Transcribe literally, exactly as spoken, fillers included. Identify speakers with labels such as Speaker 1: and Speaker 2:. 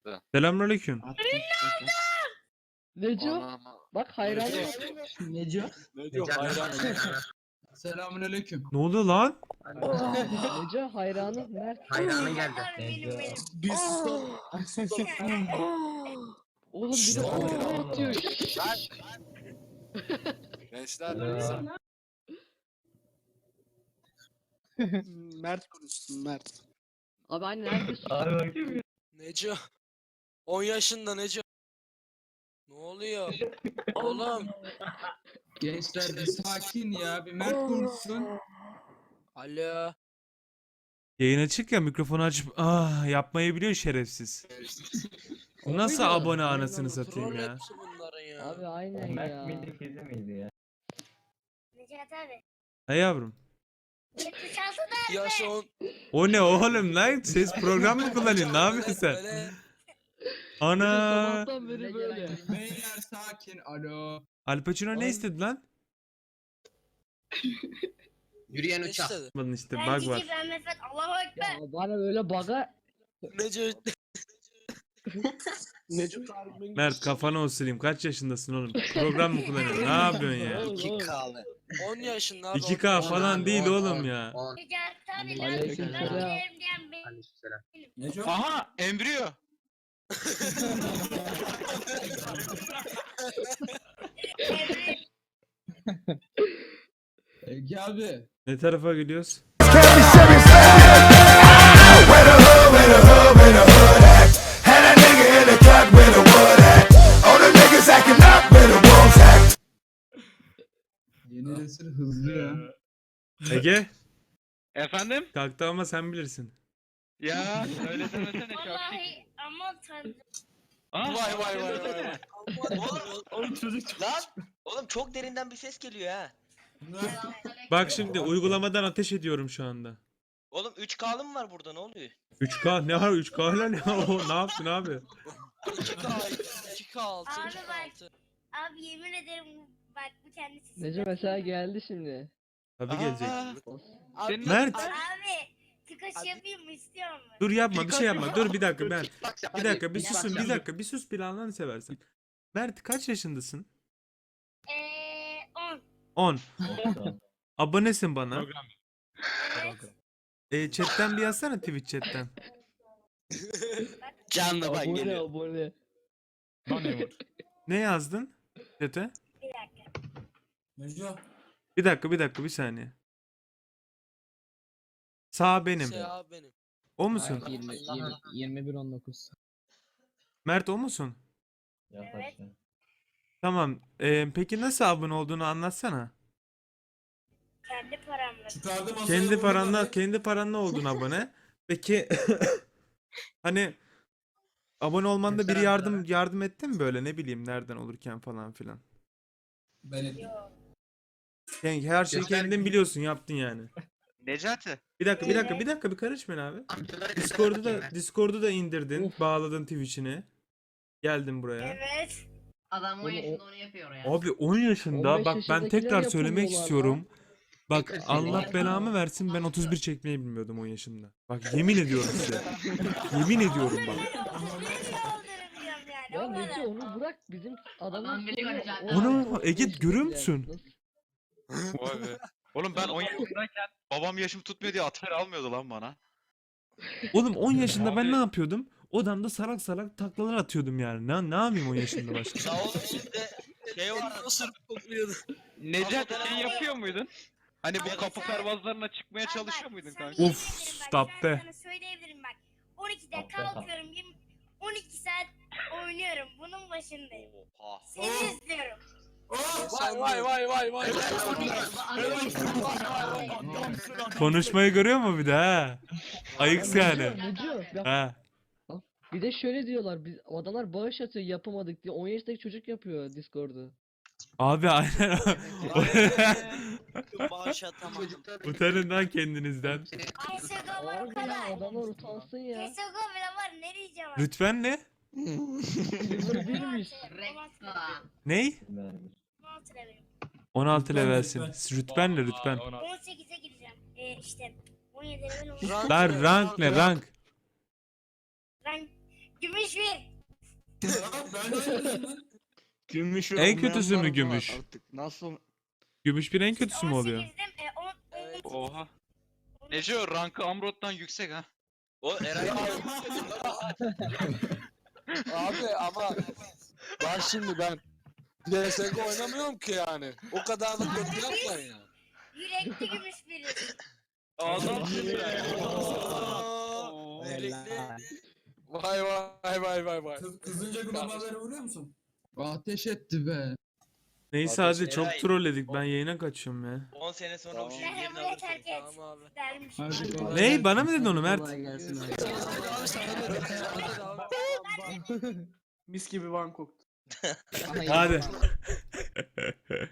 Speaker 1: attı.
Speaker 2: Selamünaleyküm.
Speaker 3: Attım. Attım.
Speaker 4: Neco?
Speaker 1: Anam.
Speaker 4: Bak hayranım.
Speaker 3: Neco?
Speaker 1: Neco hayranım.
Speaker 3: Selamünaleyküm.
Speaker 2: Ne oluyor lan?
Speaker 4: Neco hayranım. Mert.
Speaker 5: Hayranı geldi.
Speaker 6: Benim benim.
Speaker 3: Biz son...
Speaker 4: Oğlum bir de Mert diyor.
Speaker 1: Gençler.
Speaker 3: Mert konuşsun Mert.
Speaker 4: Abi hani neredesin?
Speaker 6: Neco. on yaşında Neco. Ne oluyor? Oğlum.
Speaker 3: Gençler bir sakin ya. Bir Mert konuşsun.
Speaker 6: Alo.
Speaker 2: Yayın açık ya, mikrofonu açıp ah yapmayı biliyor şerefsiz. Bu nasıl
Speaker 4: Oyna.
Speaker 2: abone anasını satayım
Speaker 6: Troll
Speaker 2: ya.
Speaker 6: hepsi bunların ya.
Speaker 4: Abi aynen ya.
Speaker 7: Necat abi.
Speaker 2: He yavrum.
Speaker 7: yetmiş altı da
Speaker 6: Yaş on.
Speaker 2: O ne oğlum lan? Ses program mı kullanıyorsun? Ne yapıyorsun sen?
Speaker 6: Böyle
Speaker 2: Ana.
Speaker 4: Sabahtan beri böyle.
Speaker 3: Beyler sakin. Alo.
Speaker 2: Al Pacino ne istedi lan?
Speaker 5: Yürüyen
Speaker 6: ne
Speaker 5: uçak.
Speaker 6: istedi?
Speaker 2: Bakın işte
Speaker 7: ben
Speaker 2: bug
Speaker 7: Cici
Speaker 2: var.
Speaker 7: ben Mehmet Allahu Ekber.
Speaker 4: Ya bana böyle baga
Speaker 6: Neco.
Speaker 3: Neco.
Speaker 2: Mert kafanı osurayım. Kaç yaşındasın oğlum? Program mı kullanıyorsun? Ne yapıyorsun ya?
Speaker 4: iki K.
Speaker 6: on yaşında abi.
Speaker 2: iki K
Speaker 6: on
Speaker 2: falan
Speaker 6: yaşında.
Speaker 2: değil
Speaker 5: On,
Speaker 2: oğlum
Speaker 5: on,
Speaker 2: ya.
Speaker 5: on.
Speaker 7: Necat abi ben
Speaker 4: Aleykümselam.
Speaker 7: ben bilirim diyen benim.
Speaker 5: Aleykümselam.
Speaker 3: Neco.
Speaker 1: Aha embriyo.
Speaker 7: Emre.
Speaker 3: Ege abi.
Speaker 2: Ne tarafa gidiyoruz?
Speaker 3: Yeni nesil hızlı ya.
Speaker 2: Ege.
Speaker 1: Efendim?
Speaker 2: Kalktı ama sen bilirsin.
Speaker 1: Ya öyle demesene
Speaker 7: Vallahi aman tanrım.
Speaker 1: Vay vay vay vay.
Speaker 5: Oğlum çocuk. Lan. Oğlum çok derinden bir ses geliyor ha.
Speaker 2: Bak şimdi uygulamadan ateş ediyorum şu anda.
Speaker 5: Oğlum üç K'lı mı var burada, ne oluyor?
Speaker 2: üç K ne var? üç K ile ne? O ne yaptın abi?
Speaker 6: iki K iki K altı.
Speaker 7: Abi
Speaker 6: iki K
Speaker 7: bak.
Speaker 6: altı.
Speaker 7: Abi yemin ederim bak bu kendisi.
Speaker 4: Neco mesela geldi şimdi.
Speaker 2: Tabii gelecek.
Speaker 6: Abi,
Speaker 2: Mert.
Speaker 7: Abi tıkaş yapayım mı istiyor musun?
Speaker 2: Dur yapma bir şey yapma. Dur bir dakika ben. Bir dakika bir susun bir dakika bir sus bir Allah'ını seversen. Mert kaç yaşındasın?
Speaker 7: Eee on.
Speaker 2: on. Abonesin bana.
Speaker 7: Evet.
Speaker 2: E, chatten bir yazsana Twitch chatten.
Speaker 6: Canlı bak
Speaker 4: Abone
Speaker 6: geliyor.
Speaker 4: abone.
Speaker 2: Ne yazdın? Chat'e?
Speaker 7: Bir dakika.
Speaker 3: Neco.
Speaker 2: Bir dakika bir dakika bir saniye. Sağ benim.
Speaker 6: Şey abi benim.
Speaker 2: O musun?
Speaker 4: yirmi, yirmi, yirmi bir on dokuz.
Speaker 2: Mert o musun?
Speaker 7: Evet.
Speaker 2: Tamam. E, peki nasıl abone olduğunu anlatsana.
Speaker 7: Kendi paramla.
Speaker 3: Çıkardı masaya.
Speaker 2: Kendi
Speaker 3: vurdu
Speaker 2: paranla
Speaker 3: abi.
Speaker 2: kendi paranla oldun abone. Peki hani abone olmanda biri yardım yardım etti mi böyle ne bileyim nereden olurken falan filan.
Speaker 3: Ben ettim.
Speaker 7: Yok.
Speaker 2: Yani her şeyi
Speaker 5: Göster-
Speaker 2: kendin biliyorsun yaptın yani.
Speaker 1: Necati.
Speaker 2: Bir dakika bir dakika bir dakika bir karışmayın abi. Discord'u da Discord'u da indirdin,
Speaker 4: Of.
Speaker 2: bağladın Twitch'ini. Geldin buraya.
Speaker 7: Evet.
Speaker 8: Adam on
Speaker 4: Oğlum,
Speaker 8: yaşında onu yapıyor ya.
Speaker 2: Abi on yaşında
Speaker 4: on beş
Speaker 2: bak ben
Speaker 4: yaşındakiler
Speaker 2: tekrar söylemek
Speaker 4: yapamıyorlar
Speaker 2: istiyorum. Bak
Speaker 5: Tekrar
Speaker 2: Allah
Speaker 5: söyle.
Speaker 2: belamı versin ben otuz bir çekmeyi bilmiyordum on yaşında. Bak yemin ediyorum size. Yemin ediyorum bak.
Speaker 4: Ya
Speaker 7: Ya
Speaker 4: Neco onu bırak bizim adamın
Speaker 8: Adam biliyor
Speaker 4: sonu
Speaker 8: zaten.
Speaker 4: on
Speaker 2: Onu
Speaker 4: altı, on
Speaker 2: Ege
Speaker 4: beş
Speaker 2: görüyor
Speaker 4: yani.
Speaker 2: musun?
Speaker 4: Nasıl-
Speaker 1: Vay be. Oğlum ben on yaşındayken babam yaşım tutmuyor diye atar almıyordu lan bana.
Speaker 2: Oğlum on yaşında ben
Speaker 1: Abi.
Speaker 2: ne yapıyordum? Odamda salak salak taklalar atıyordum yani. Ne, ne yapayım on yaşında başka?
Speaker 5: Ya oğlum sizde şey var.
Speaker 6: Osurup kokluyordu.
Speaker 1: Necati şey yapıyor muydun? Hani bu
Speaker 5: Evet.
Speaker 1: kapı pervazlarına çıkmaya
Speaker 7: Abi
Speaker 1: çalışıyor
Speaker 7: bak,
Speaker 1: muydun
Speaker 7: sana
Speaker 1: kanka?
Speaker 7: yemin
Speaker 2: Of,
Speaker 7: ederim bak,
Speaker 2: stop
Speaker 7: ben
Speaker 2: be.
Speaker 7: Sana söyleyebilirim bak. on ikide kalkıyorum. yirmi on iki saat oynuyorum. Bunun başındayım.
Speaker 5: Oha.
Speaker 7: Seni izliyorum.
Speaker 6: Vay vay vay vay vay.
Speaker 2: Konuşmayı görüyor mu bir de ha? Ayıks yani.
Speaker 4: Neco, ya
Speaker 2: Ha.
Speaker 4: bir de şöyle diyorlar biz adamlar bağış atıyor yapamadık diye on yaşındaki çocuk yapıyor Discord'u.
Speaker 2: Abi aynen.
Speaker 6: Bağış atamadım.
Speaker 2: Utanın lan kendinizden.
Speaker 7: C S G O var o
Speaker 4: Abi ya
Speaker 7: kadar.
Speaker 4: adamlar utansın ya.
Speaker 7: C S G O bile var. Ne diyeceğim abi?
Speaker 2: Rütben ne?
Speaker 4: Yıldır bilmiş.
Speaker 8: Rekta.
Speaker 2: Ney?
Speaker 7: on altı levelim.
Speaker 2: on altı
Speaker 3: Rütben,
Speaker 2: levelsin.
Speaker 3: rütben.
Speaker 2: Rütben ne rütben?
Speaker 7: on sekize gireceğim. Ee, işte on yedi level on.
Speaker 6: Rank
Speaker 2: Lan
Speaker 6: ne?
Speaker 2: rank ne rank?
Speaker 7: Rank Gümüş bir.
Speaker 8: Gümüş ve
Speaker 2: En
Speaker 8: olmayan
Speaker 2: kötüsü
Speaker 8: var
Speaker 2: mü
Speaker 8: mı
Speaker 2: gümüş?
Speaker 8: Artık nasıl?
Speaker 2: Gümüş bir en kötüsü mü oluyor?
Speaker 7: on sekizdim, e, on, on,
Speaker 1: Oha. Neco rankı Amrot'tan yüksek ha.
Speaker 5: O Eray
Speaker 6: Abi ama bak şimdi ben D S G O oynamıyorum ki yani. O kadar da kötü yapmayın ya.
Speaker 7: yürekli gümüş biri.
Speaker 5: Adamsın
Speaker 6: Vay vay vay vay vay.
Speaker 3: Kızınca globallere vuruyor musun? Ateş etti be.
Speaker 2: Neyse
Speaker 6: Ateş-
Speaker 2: hadi çok
Speaker 5: Eray.
Speaker 2: trolledik. Ben yayına kaçıyorum ya.
Speaker 5: on sene sonra
Speaker 6: Tamam.
Speaker 5: bu çocuğun
Speaker 7: Merhaba,
Speaker 5: yerini
Speaker 7: buraya
Speaker 5: alırsın.
Speaker 7: terk et.
Speaker 6: Tamam abi.
Speaker 7: Dermiş.
Speaker 3: Hadi kolay
Speaker 2: Ney?
Speaker 3: gelsin.
Speaker 2: Bana mı dedin onu Mert?
Speaker 8: Mis gibi van koktu.
Speaker 2: Hadi.